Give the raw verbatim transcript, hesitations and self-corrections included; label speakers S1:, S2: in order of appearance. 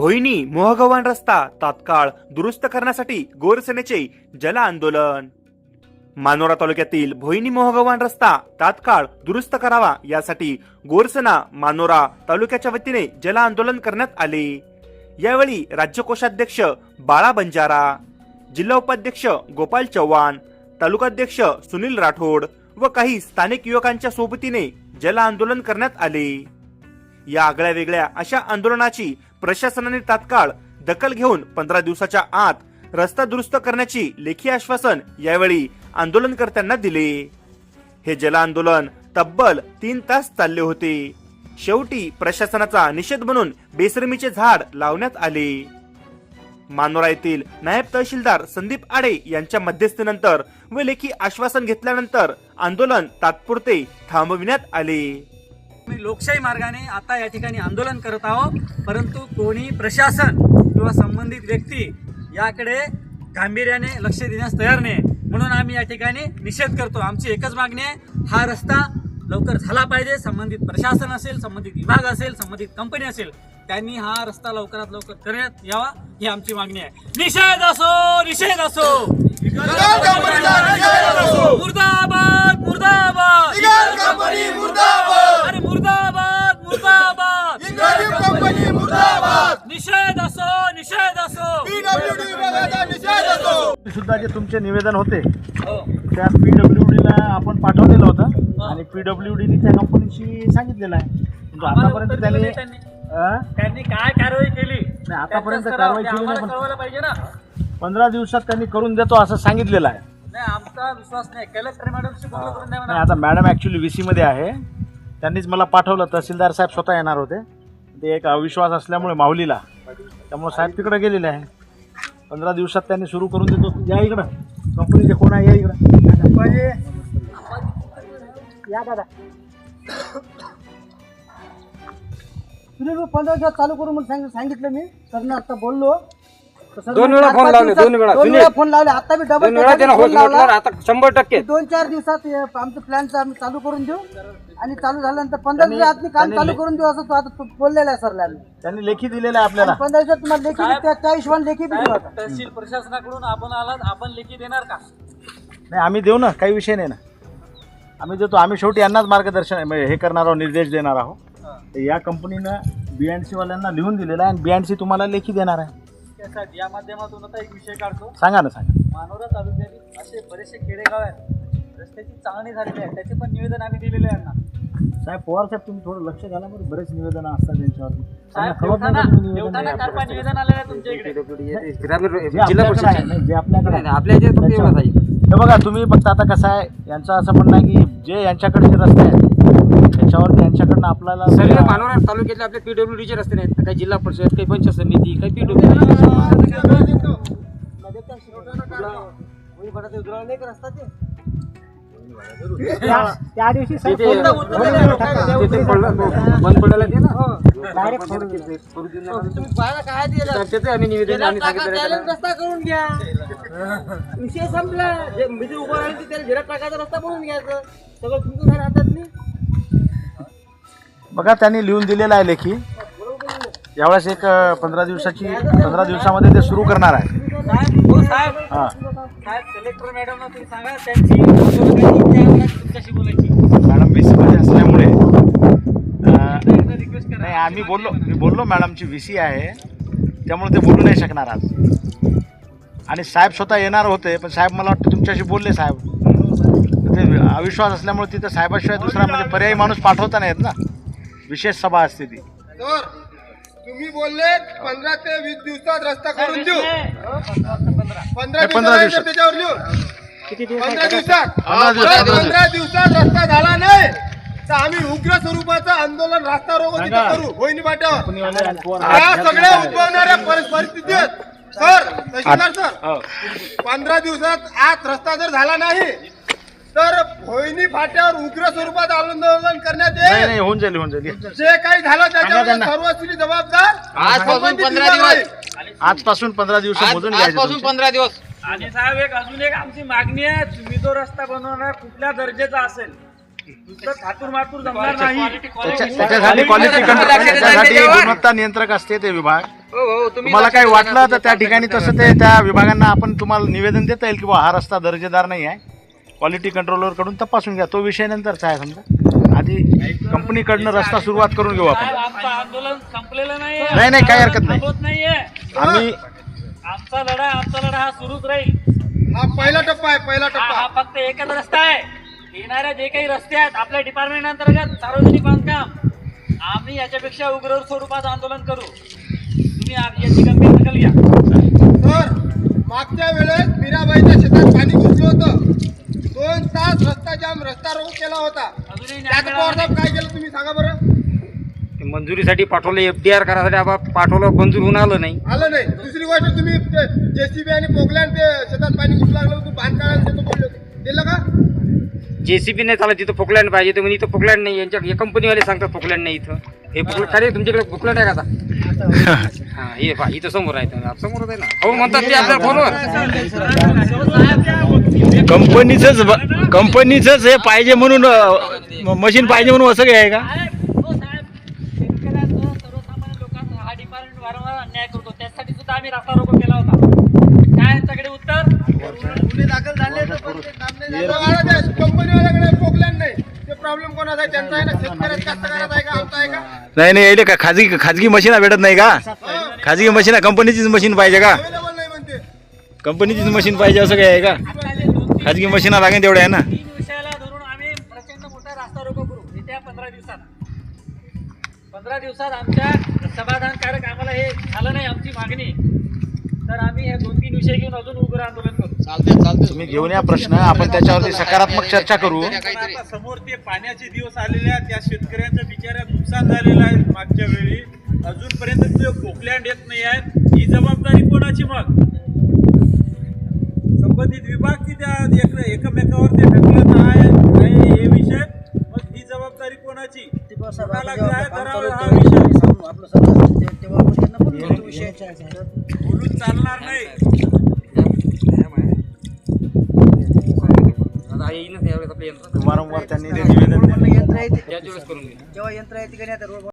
S1: भोईनी मोहगव्हाण रस्ता तात्काळ दुरुस्त करण्यासाठी गोरसेनेचे जल आंदोलन। मानोरा तालुक्यातील भोईनी मोहगव्हाण रस्ता तात्काळ दुरुस्त करावा यासाठी गोरसेना मानोरा तालुक्याच्या वतीने जल आंदोलन करण्यात आले। यावेळी राज्य कोषाध्यक्ष बाळा बंजारा, जिल्हा उपाध्यक्ष गोपाल चव्हाण, तालुकाध्यक्ष सुनील राठोड व काही स्थानिक युवकांच्या सोबतीने जल आंदोलन करण्यात आले। या आगळ्या वेगळ्या अशा आंदोलनाची प्रशासनाने तात्काळ दखल घेऊन पंधरा दिवसाच्या आत रस्ता दुरुस्त करण्याची लेखी आश्वासन यावेळी आंदोलनकर्त्यांना दिले। हे जल आंदोलन तब्बल तीन तास चालले होते। शेवटी प्रशासनाचा निषेध म्हणून बेसरमीचे झाड लावण्यात आले। मानोरा येथील नायब तहसीलदार संदीप आडे यांच्या मध्यस्थीनंतर व लेखी आश्वासन घेतल्यानंतर आंदोलन तात्पुरते थांबविण्यात आले।
S2: मी लोकशाही मार्गाने आता या ठिकाणी आंदोलन करत आहोत, परंतु कोणी प्रशासन किंवा संबंधित व्यक्ती याकडे गांभीर्याने लक्ष देण्यास तयार नाही, म्हणून आम्ही या ठिकाणी निषेध करतो। आमची एकच मागणी आहे, हा रस्ता लवकर झाला पाहिजे। संबंधित प्रशासन असेल, संबंधित विभाग असेल, संबंधित कंपनी असेल, त्यांनी हा रस्ता लवकरात लवकर करण्यात यावा ही आमची मागणी आहे। निषेध असो निषेध असो मुर्दाबाद मुर्दाबाद अरे मुर्दाबाद मुर्दाबाद निषेध असो निषेध असो
S3: सुद्धा जे तुमचे निवेदन होते त्या पीडब्ल्यूडी ला आपण पाठवलेलं होतं आणि पीडब्ल्यूडी ने त्या कंपनीशी सांगितलेलं आहे, म्हणजे आतापर्यंत त्यांनी
S2: त्यांनी काय कारवाई केली
S3: नाही, आतापर्यंत कारवाई केली नाही,
S2: कळवलं पाहिजे ना।
S3: पंधरा दिवसात त्यांनी करून देतो असं सांगितलेलं आहे।
S2: नाही, आमचा विश्वास नाही। कलेक्टर मॅडमशी बोलणं करून द्या
S3: नाही,
S2: म्हणा।
S3: आता मॅडम ऍक्च्युली व्हीसी मध्ये आहे, त्यांनीच मला पाठवलं। तहसीलदार साहेब स्वतः येणार होते, ते एक अविश्वास असल्यामुळे माऊलीला, त्यामुळे साहेब तिकडे गेलेले आहे। पंधरा दिवसात त्यांनी सुरू करून देतो। या इकडं कंपनीचे कोण आहे, या इकडं या दादा।
S4: पंधरा दिवस चालू करून म्हणून सांगितलं मी सर, आता बोललो
S5: दोन वेळा फोन लावले, दोन वेळा
S4: दोन वेळा फोन लावले, आता मी डबल फोन लावला।
S5: आता शंभर टक्के
S4: दोन चार दिवसात आमचं प्लॅनचं आम्ही चालू करून देऊ आणि चालू झाल्यानंतर पंधरा दिवसात मी काम चालू करून देऊ असं तो आता बोललेला आहे सरला।
S3: त्यांनी लेखी दिलेलं आहे आपल्याला।
S4: पंधरा दिवसात तुम्हाला लेखी त्या त्या हिशोबाने लेखी दिली होता।
S2: तहसील प्रशासनाकडून आपण आलात, आपण लेखी देणार का?
S3: नाही, आम्ही देऊ ना, काही विषय नाही ना, आम्ही देतो। आम्ही शेवटी यांनाच मार्गदर्शन म्हणजे हे करणार आहोत, निर्देश देणार आहोत। या कंपनीनं बीएनसी वाल्यांना लिहून दिलेलं आहे आणि बीएनसी तुम्हाला लेखी देणार आहे।
S2: त्यासाठी या माध्यमातून आता एक विषय काढतो।
S3: सांगा ना, सांगा।
S2: मानोरा तालुक्यातील असे बरेचसे खेडेगाव आहेत, रस्त्याची चांगली झालेली आहे, त्याचे पण निवेदन आम्ही दिलेले आहे यांना।
S3: साहेब पवार साहेब, तुम्ही थोडं लक्ष घाला बरं, बरेच निवेदन असतात त्यांच्यावर।
S2: साहेब, देवठाणा देवठाणा कारपा निवेदन आलेलं आहे तुमच्या इकडे।
S5: जिल्हा परिषद
S3: जे आपल्याकडे
S5: आपल्या इथे फक्त एवढंच आहे।
S3: हे बघा, तुम्ही फक्त आता कसं आहे, यांचं असं म्हणणं आहे की जे यांच्याकडचे रस्ते आहेत त्याच्यावर यांच्याकडनं आपल्याला
S5: सगळे मानोरा तालुक्यातले आपले पीडब्ल्यूडीचे रस्ते नाहीत, काही जिल्हा परिषद, काही पंचायत समिती, काही पीडब्ल्यूडी।
S4: त्या दिवशी
S5: बंद पडायला ते ना
S4: डायरेक्ट
S5: त्याचे आम्ही निवेदन आम्ही सांगितलं
S4: रस्ता करून घ्या, विषय संपला। म्हणजे उभं राहिलं त्याला झिरक टाकायचा रस्ता बनवून घ्यायचं, सगळं तुमचं घर हातात नाही।
S3: बघा, त्यांनी लिहून दिलेलं आहे लेखी। यावेळेस एक पंधरा दिवसाची पंधरा दिवसामध्ये ते सुरू करणार आहे।
S2: साहेब हो साहेब
S3: हां
S2: साहेब, कलेक्टर मॅडमला तुम्ही सांगा त्यांची तुमच्याशी बोलायची।
S3: मॅडम व्ही सी मध्ये असल्यामुळे
S2: रिक्वेस्ट करा।
S3: नाही, आम्ही बोललो मी बोललो मॅडमची व्ही सी आहे, त्यामुळे ते बोलू नाही शकणार आज। आणि साहेब स्वतः येणार होते, पण साहेब मला वाटतं तुमच्याशी बोलले साहेब। ते अविश्वास असल्यामुळे तिथं साहेबाशिवाय दुसरा म्हणजे पर्यायी माणूस पाठवता नाही येत ना, विशेष सभा असते ती।
S6: तुम्ही बोलले पंधरा ते वीस दिवसात रस्ता करून देऊ। पंधरा
S3: पंधरा दिवसात
S6: त्याच्यावर लिहू पंधरा दिवसात
S3: पंधरा दिवसात
S6: पंधरा दिवसात रस्ता झाला नाही तर आम्ही उग्र स्वरूपाचं आंदोलन रस्ता रोको तिथे करू होईनी पाट्यावर। या सगळ्या उद्भवणाऱ्या परिस्थितीत सर तहसीलदार सर, पंधरा दिवसात आत रस्ता जर झाला नाही तर भोईनी फाट्यावर उग्र स्वरूपात आंदोलन करण्यात
S3: नाही
S6: येईल।
S3: होऊन जाईल होऊन जाईल
S6: जे काही झालं त्याच्यावर सर्वस्वी जबाबदार
S5: आजपासून पंधरा दिवस
S3: आजपासून पंधरा दिवस मोजून
S5: आजपासून पंधरा दिवस
S2: आणि साहेब, एक अजून एक आमची मागणी आहे, तुम्ही तो रस्ता बनवणार कुठल्या दर्जाचा असेल नुसतं खातूर मातूर जमणार नाही.
S3: त्याच्या- त्याच्यासाठी क्वालिटी कंट्रोल त्याच्यासाठी गुणवत्ता नियंत्रक असते ते विभाग. तुम्हाला काही वाटलं तर त्या ठिकाणी तसं ते त्या विभागांना आपण तुम्हाला निवेदन देता येईल की बा हा रस्ता दर्जेदार नाही आहे, क्वालिटी कंट्रोलर कडून तपासून घ्या. तो विषय नंतरचा आहे. समजा आधी कंपनीकडनं रस्ता सुरुवात करून घेऊ आपण.
S2: साहेब, आमचं आंदोलन संपलेलं नाही.
S3: नाही, नाही, काही हरकत नाही.
S2: थांबत नाहीये.
S3: आम्ही
S2: आमचा लढा आमचा लढा हा सुरूच राहील.
S6: हा पहिला टप्पा आहे, पहिला
S2: हा
S6: टप्पा.
S2: हा फक्त एकच रस्ता आहे. येणाऱ्या जे काही रस्ते आहेत आपल्या डिपार्टमेंट अंतर्गत सार्वजनिक बांधकाम, आम्ही याच्यापेक्षा उग्र स्वरूपात आंदोलन करू. तुम्ही आ- याची गंभीर दखल घ्या.
S6: सर, मागच्या वेळेस मीराबाईच्या शेतात पाणी घुसलं होतं. दोन तास रस्ता जाम, रस्ता रोको केला होता.
S2: अजूनही न्याय
S6: त्यात
S2: मिळाला
S6: पवार साहेब काय केलं तुम्ही सांगा बरं.
S5: मंजुरीसाठी पाठवलं, एफडीआर करायसाठी आपण पाठवलं, मंजूर होऊन आलं नाही.
S6: आलं नाही. दुसरी गोष्ट तुम्ही जेसीबी आणि पोकलँड ते शेतात पाणी घुसू लागलं होतं, बांधकाम देतो बोलले होते. दिलं का?
S5: जेसीबी नाही चालत, तिथं पोकलँड पाहिजे. तर म्हणजे इथं पोकलँड नाही. यांच्या हे कंपनीवाले सांगतात पोकलँड नाही इथं. हे पोकलँड काय रे, तुमच्याकडे पोकलँड आहे का आता? हा, हे पहा इथं समोर आहे. तर समोरच आहे ना. हो म्हणतात ते आपल्या फोनवर.
S3: कंपनीचंच कंपनीचंच हे पाहिजे म्हणून मशीन पाहिजे म्हणून असं काय आहे का?
S2: साहेब, हो साहेब, शेतकऱ्यांचा सर्वसामान्य लोकांचा हा डिपार्टमेंट वारंवार अन्याय करतो. त्यासाठी सुद्धा आम्ही रस्ता रोको केला होता. काय यांच्याकडे उत्तर?
S4: गुन्हे दाखल झाले तर पण ते काम नाही झालं.
S6: आलं ते कंपनीवाल्याकडे पोकलँड नाही. ते प्रॉब्लेम कोणाचा आहे? त्यांचा आहे ना, शेतकऱ्याचा कास्तकाराचा आहे का, आमचा आहे का?
S3: नाही नाही यायले का खाजगी खाजगी मशीन भेटत नाही का? खाजगी मशीन कंपनीचीच मशीन पाहिजे का?
S6: अवेलेबल नाही म्हणते.
S3: कंपनीचीच मशीन पाहिजे असं काय आहे का?
S2: आता जे दोन तीन
S3: खाजगी मशीना लागेल तेवढ्या आहे ना.
S2: तीन विषयाला धरून आम्ही प्रचंड मोठा रास्ता रोको करू येत्या पंधरा दिवसात. पंधरा दिवसात आमच्या समाधानकारक आम्हाला हे झालं नाही आमची मागणी, तर आम्ही हे दोन तीन विषय घेऊन अजून उग्र आंदोलन करू.
S3: तुम्ही घेऊन या प्रश्न, आपण त्याच्यावरती सकारात्मक चर्चा करू.
S7: पण आता समोर ते पाण्याचे दिवस आलेले आहेत. त्या शेतकऱ्यांच्या बिचाऱ्या नुकसान झालेलं आहे. मागच्या वेळी अजूनपर्यंत ते पोकलँड येत नाही आहेत. ही जबाबदारी कोणाची? मग संबंधित विभाग की त्या एक- एकमेकावर ते ढकलत आहे आहे हे विषय. मग ही जबाबदारी कोणाची? कोणाला काय धरावा हा विषय?
S4: आपलं सगळं ते- तेव्हा आपण त्यांना बोललो तो विषय.
S7: बोलून चालणार नाही.
S5: आता येईनच यावेळेस आपलं यंत्र.
S3: वारंवार त्यांनी ते निवेदन दिलं.
S4: यंत्र आहे ते-
S5: त्याच वेळेस करून घेऊ.
S4: जेव्हा यंत्र आहे तिकडे आता रोड